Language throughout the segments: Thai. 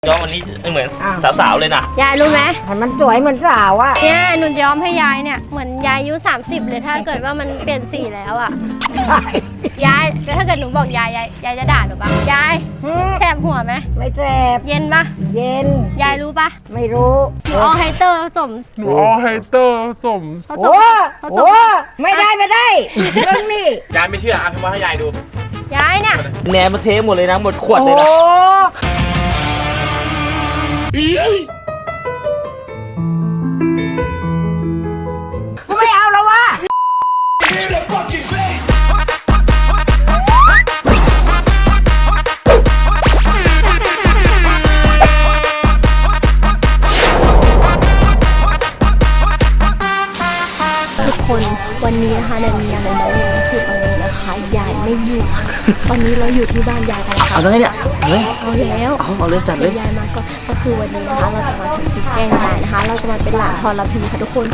ย้อมวันนี้เหมือนสาวๆเลยนะยายรู้ไหมมันสวยเหมือนสาวอะเนี่ยหนูย้อมให้ยายเนี่ยเหมือนยายอายุ30เลยถ้าเกิดว่ามันเปลี่ยนสีแล้วอะยายแล้วถ้าเกิดหนูบอกยายจะด่าหนูปะยายแสบหัวไหมไม่แสบเย็นปะเย็นยายรู้ปะไม่รู้หนูเอาไฮเตอร์ผสมโอ้ไม่ได้เรื่องนี้ยายไม่เชื่อเอามาให้ยายดูยายเนี่ยแหนมมาเทหมดเลยนะหมดขวดเลยนะกูไม่เอาแล้ววะทุกคนวันนี้นะคะในมีอะไรน้อยๆคือตอนนี้นะคะยายไม่อยู่ตอนนี้เราอยู่ที่บ้านยายกันนะคะเอาเลยเนี่ยเอาเลยเอาเลยจัดเลยยายมาก็คือวันนี้นะคะเราจะมาทำคลิปแกล้งยายนะคะเราจะมาเป็นหลานทรพีค่ะทุกคน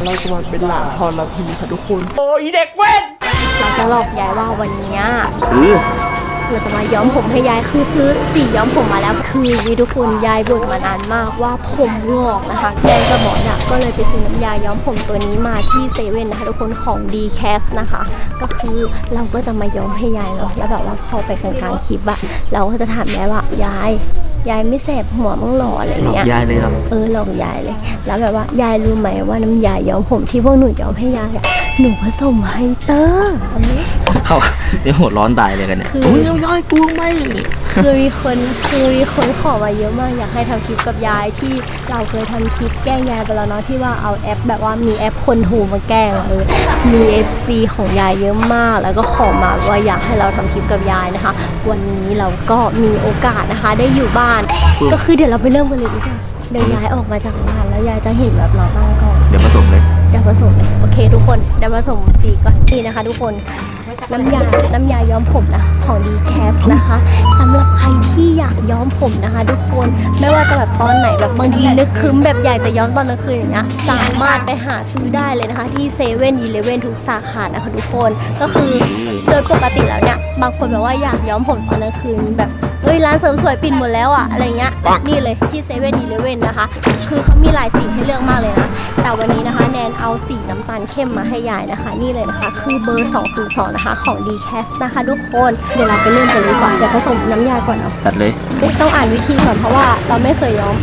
โอ้ยเด็กเว้นเราจะหลอกยายว่าวันนี้เราจะมาย้อมผมให้ยายคือซื้อสีย้อมผมมาแล้วคือวิทุกคนยายบ่นมานานมากว่าผมงอกนะคะยายกับหมอเนี่ยก็เลยไปซื้อน้ำยาย้อมผมตัวนี้มาที่เซเว่นนะคะทุกคนของ D-Cast นะคะก็คือเราก็จะมาย้อมให้ยายเนาะแล้วแบบว่าพอไปกลางๆคลิปอะเราก็จะถามยายว่ายายไม่แสบหัวมั้งหรออะไรเงี้ยยายเลยครับหลอกยายเลยแล้วแบบว่ายายรู้ไหมว่าน้ำยาย้อมผมที่พวกหนูย้อมให้ยายหนูผสมไฮเตอร์อันนี้เขาเดี๋ยวหัวร้อนตายเลยกันเนี่ยโอ้ยย้อยกูไม่คือมีคนขอมาเยอะมากอยากให้ทำคลิปกับยายที่เราเคยทำคลิปแกล้งยายไปแล้วเนาะที่ว่าเอาแอปแบบว่ามีแอปคนหูมาแกล้งมี FC ของยายเยอะมากแล้วก็ขอมาว่าอยากให้เราทำคลิปกับยายนะคะวันนี้เราก็มีโอกาสนะคะได้อยู่บ้านก็คือเดี๋ยวเราไปเริ่มกันเลยดีกว่าเดี๋ยวยายออกมาจากบ้านแล้วยายจะเห็นแบบเราตั้งกล้องเดี๋ยวผสมเลยโอเคทุกคนเดี๋ยวผสมสีก่อนนี่นะคะทุกคนน้ำยาย้อมผมนะของ D-Cast นะคะสำหรับใครที่อยากย้อมผมนะคะทุกคนไม่ว่าจะแบบตอนไหนแบบบางทีนึกคึ้มแบบอยากจะย้อมตอนกลางคืนอย่างเงี้ยสามารถไปหาซื้อได้เลยนะคะที่เซเว่นอีเลฟเว่นทุกสาขานะคะทุกคนก็คือโดยปกติแล้วเนี่ยบางคนแบบว่าอยากย้อมผมตอนกลางคืนแบบร้านเสริมสวยปิดหมดแล้วอะอะไรเงี้ยนี่เลยที่เซเว่นอีเลฟเว่นนะคะคือเขามีหลายสีให้เลือกมากเลยนะแต่วันนี้นะคะแนนเอาสีน้ำตาลเข้มมาให้ยายนะคะนี่เลยนะคะคือเบอร์202นะคะของ D-Cast นะคะทุกคนเดี๋ยวเราไปเริ่มกันเลยก่อนเดี๋ยวผสมน้ำยาก่อนเอาจัดเลยต้องอ่านวิธีก่อนเพราะว่าเราไม่เคยย้อม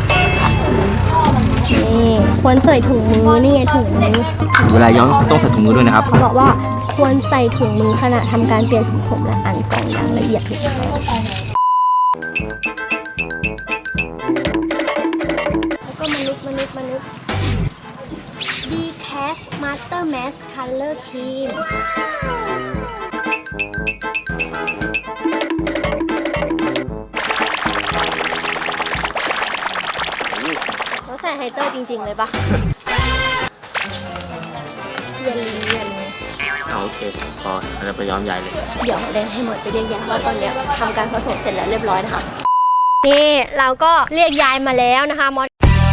นี่ควรใส่ถุงมือนี่ไงถุงมือเวลาย้อมต้องใส่ถุงมือด้วยนะครับเขาบอกว่าควรใส่ถุงมือขณะทำการเปลี่ยนสีผมและอ่านกล่องอย่างละเอียดทุกครั้งแล้วก็มนุษย์D-Cast Master Mask Color Cream เขาใส่ไฮเตอร์จริงๆเลยปะเย็นโอเคพอเราไปย้อมยายเลยเดี๋ยวเดนให้หมดไปเรียกยายว่าตอนนี้ทำการผสมเสร็จแล้วเรียบร้อยนะคะนี่เราก็เรียกยายมาแล้วนะคะมอส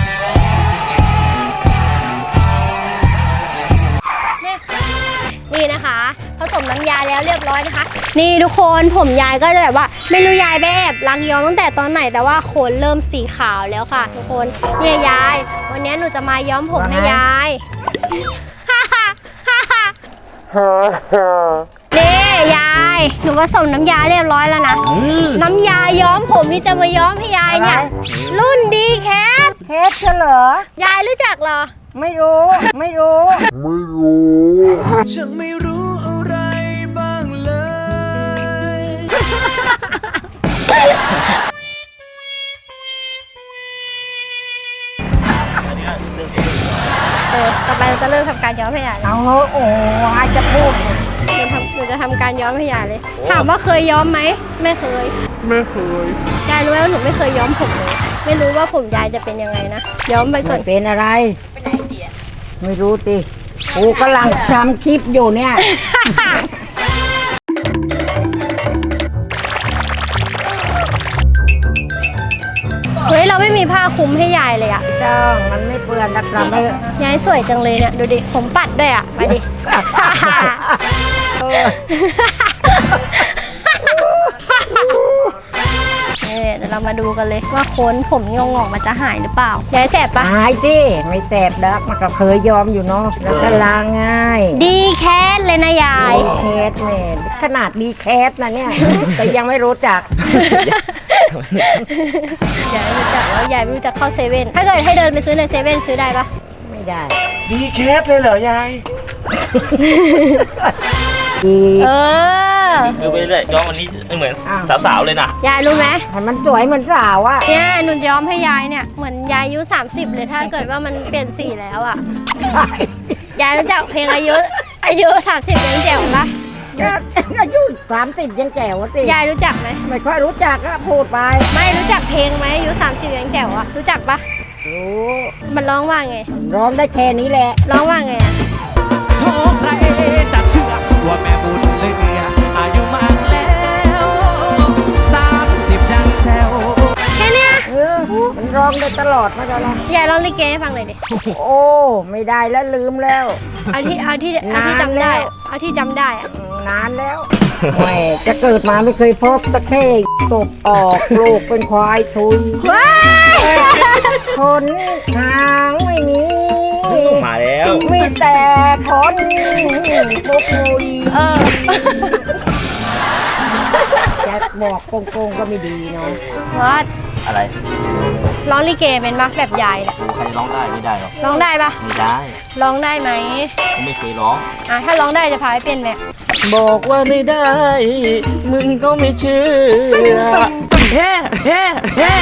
นี่นะคะผสมน้ำยาแล้วเรียบร้อยนะคะนี่ทุกคนผมยายก็จะแบบว่าไม่รู้ยายไปแอบล้างย้อมตั้งแต่ตอนไหนแต่ว่าขนเริ่มสีขาวแล้วค่ะทุกคนเนี่ยยายวันนี้หนูจะมาย้อมผมให้ยายนี่ยายหนูผสมน้ำยาเรียบร้อยแล้วนะน้ำยาย้อมผมที่จะมาย้อมให้ยายเนี่ยรุ่นD-Cast เหรอยายรู้จักเหรอไม่รู้ฉันไม่รู้อะไรบ้างเลยต่อไปเราจะเริ่มทำการย้อมให้ยายเอาโอ้ยจะพูดหนูจะทำการย้อมให้ยายเลยถามว่าเคยย้อมไหมไม่เคยยายรู้ไหมว่าหนูไม่เคยย้อมผมเลยไม่รู้ว่าผมยายจะเป็นยังไงนะย้อมไปก่อนเป็นอะไรไม่รู้ติกูกำลังทำคลิปอยู่เนี่ยเฮ้ยเราไม่มีผ้าคลุมให้ยายเลยอะจ้องมันไม่เปื้อนนะครับยายสวยจังเลยเนี่ยดูดิผมปัดด้วยอะมาดิเดี๋ยวเรามาดูกันเลยว่าโคนผมงอกมันจะหายหรือเปล่ายายแสบปะหายสิไม่แสบดักมันก็เคยยอมอยู่เนาะแล้วก็ล้างง่ายดีแคสเลยนะยายดีแคสแม่ขนาดดีแคสนะเนี่ย แต่ยังไม่รู้จักยายไม่รู้จักแล้วยายไม่รู้จักเข้าเซเว่นถ้าเกิดให้เดินไปซื้อในเซเว่นซื้อได้ปะไม่ได้ดีแคสเลยเหรอยายดีเออดูไปเรื่อยย้อมวันนี้เหมือนอ้าวสาวๆเลยนะยายรู้ไหมให้มันสวยเหมือนสาวอะเนี่ยหนูย้อมให้ยายเนี่ยเหมือนยายอายุ30เลยถ้าเกิดว่ามันเปลี่ยนสีแล้วอ่ะยายรู้จักเพลงอายุ30ยังแจ๋วปะอายุ30ยังแจ๋วสิยายรู้จักไหมไม่ค่อยรู้จักก็พูดไปไม่รู้จักเพลงไหมอายุ30ยังแจ๋วอ่ะรู้จักปะรู้มันร้องว่าไงร้องได้แค่นี้แหละร้องว่าไงอะโอ้ใครจะเชื่อว่าแม่บุญเหลืออายุมากแล้ว30ยังแจ๋วแค่เนี้ยมันร้องได้ตลอดมาตลอดยายร้องลิเกให้ฟังหน่อยดิโอ้ไม่ได้แล้วลืมแล้วเอาที่จำได้นานแล้วเอาที่จำได้อะนานแล้วแหม่จะเกิดมาไม่เคยพบตะเข้ตบออกลูกเป็นควายทุยว้ายคนหางไม่มีมาแล้วมีแต่คนปุกมุยเออจะบอกโกงๆก็ไม่ดีเนาะวัดอะไรร้องลิเกเป็นปะแบบยายเนี่ยใครร้องได้ไม่ได้หรอกร้องได้ปะไม่ได้ร้องได้ไหมไม่เคยร้องถ้าร้องได้จะพาไปเป็นไหมบอกว่าไม่ได้ มึงก็ไม่เชื่อแฮ่แฮ่แฮ่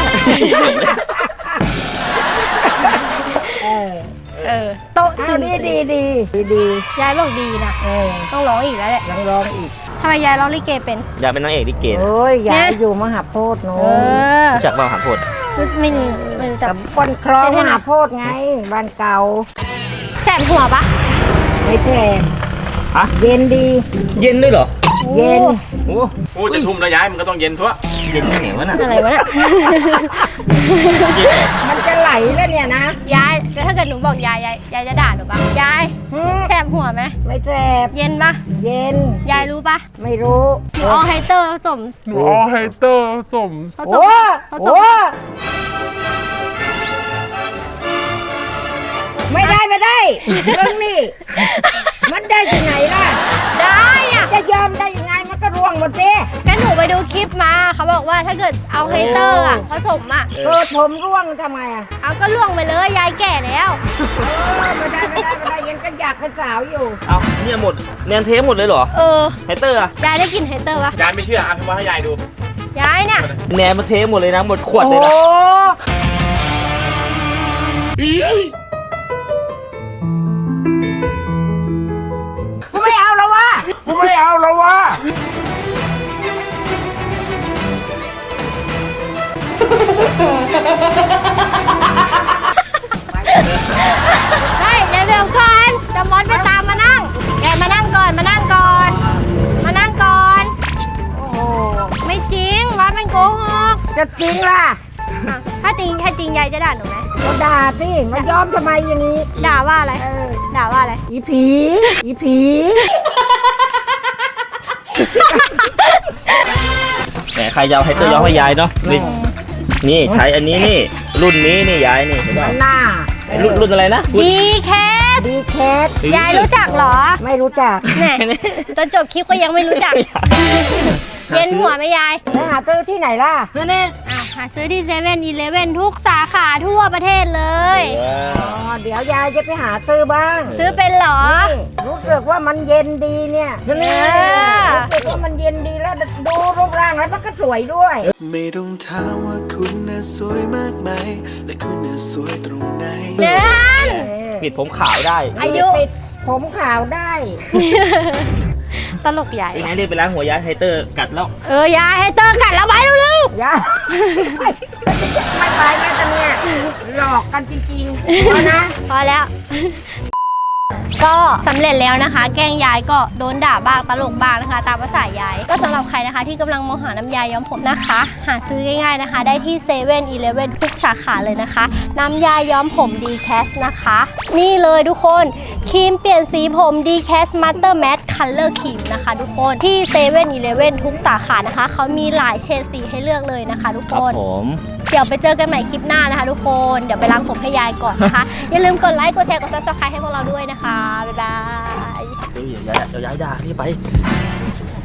โต๊ะเอาตื่นดียายบอกดีนะ ต้องร้องอีกแล้วแหละยังร้องอีกทำไมยายร้องลิเกเป็นอยากเป็นนางเอกลิเกนะโอ้ยยายอยู่มหาโพธิ์โน้เอน อรู้จักบ้างหางโพดไม่รู้จักกับคนคลองมหาโพธิ์ไงบ้านเก่าแสบหัวปะไม่แพงฮะเย็นดีเย็นด้วยเหรอเย็นโอ้โอ้จะทุ่มแล้วย้ายมันก็ต้องเย็นทั่วเย็นที่ไหนวะน่ะอะไรวะเนี่ยมันจะไหลแล้วเนี่ยนะยายแล้วถ้าเกิดหนูบอกยายจะด่าหนูปะยายหืมแสบหัวไหมไม่แสบเย็นปะเย็นยายรู้ปะไม่รู้หนูเอาไฮเตอร์ผสมหนูเอาไฮเตอร์สมผสโอ้มผสโหมไม่ได้เรื่องนี้ มันได้ที่ไหนล่ะได้อะจะยอมได้ยังไงมันก็ร่วงหมดสิก็หนูไปดูคลิปมาเขาบอกว่าถ้าเกิดเอาไฮเตอร์อะผสมอะเกิดผมร่วงทำไมอ่ะเอาก็ล่วงไปเลยยายแก่แล้วไม่ได้ยังก็อยากเป็นสาวอยู่เอาเนี่ยหมดแนนเทปหมดเลยเหรอเออไฮเตอร์อะยายได้กินไฮเตอร์ปะย้ายไม่เชื่ออ่ะพี่ว่าให้ยายดูยายเนี่ยแนนมาเทปหมดเลยนะหมดขวดเลยนะโอ้ไม่เอาแล้ววะไม่เอาแล้ววะเฮ้ยเดี๋ยวก่อนจะมอสไปตามมานั่งแกมานั่งก่อนมานั่งก่อนโอ้โหไม่จริงมอสเป็นโกหกจะจริงล่ะอ่ะถ้าจริงยายจะด่าหนูไหมก็ด่าสิมันยอมทำไมอย่างนี้ด่าว่าอะไร ด่าว่าอะไรอีผีแหมใครจะเอาไฮเตอร์ย้อมให้ยายเนาะนี่ใช้อันนี้นี่ รุ่นนี้นี่ยายนี่เห็นป่ะหน้ารุ่นอะไรนะดีแคสดีแคสยายรู้จักเหรอไม่รู้จักแหน่จนจบคลิปก็ยังไม่รู้จัก เย็นหัวไหมยายแล้วหาซื้อที่ไหนล่ะหาซื้อที่7-11ทุกสาขาทั่วประเทศเลยอ๋อ เดี๋ยวยายจะไปหาซื้อบ้างซื้อเป็นเหรอนี่รู้สึกว่ามันเย็นดีเนี่ยอรู้สึกว่ามันเย็นดีแล้วดูรูปร่างแล้วมันก็สวยด้วยไม่ต้องถามว่าคุณน่ะสวยมากไหมและคุณน่ะสวยตรงไหนเดือนปิดผมขาวได้อายุปิดผมขาวได้ตลกใหญ่ยังไงเรียกไปล้างหัวยายไฮเตอร์กัดแล้วยายให้เตอร์กัดแล้วไว้เร็วยาไม่ไปแม่ตะเนี่ยหลอกกันจริงๆเพราะนะๆพอแล้ว ก็สำเร็จแล้วนะคะ แกล้งยายก็โดนด่าบ้างตลกบ้างนะคะ ตามภาษายาย ก็สำหรับใครนะคะ ที่กำลังมองหาน้ำยาย้อมผมนะคะ หาซื้อง่ายๆนะคะ ได้ที่7-11ทุกสาขาเลยนะคะ น้ำยาย้อมผมดีแคสนะคะ นี่เลยทุกคนครีมเปลี่ยนสีผมดีแคสมาสเตอร์แมท Color Cream นะคะทุกคนที่7-Eleven ทุกสาขานะคะเขามีหลายเฉดสีให้เลือกเลยนะคะทุกคครับ นผมเดี๋ยวไปเจอกันใหม่คลิปหน้านะคะทุกคนเดี๋ยวไปล้างผมให้ยายก่อนนะคะ อย่าลืมกดไลค์กดแชร์กด Subscribe ให้พวกเราด้วยนะคะบ๊ายบายเดี๋ยวย้ายด่าที่ไป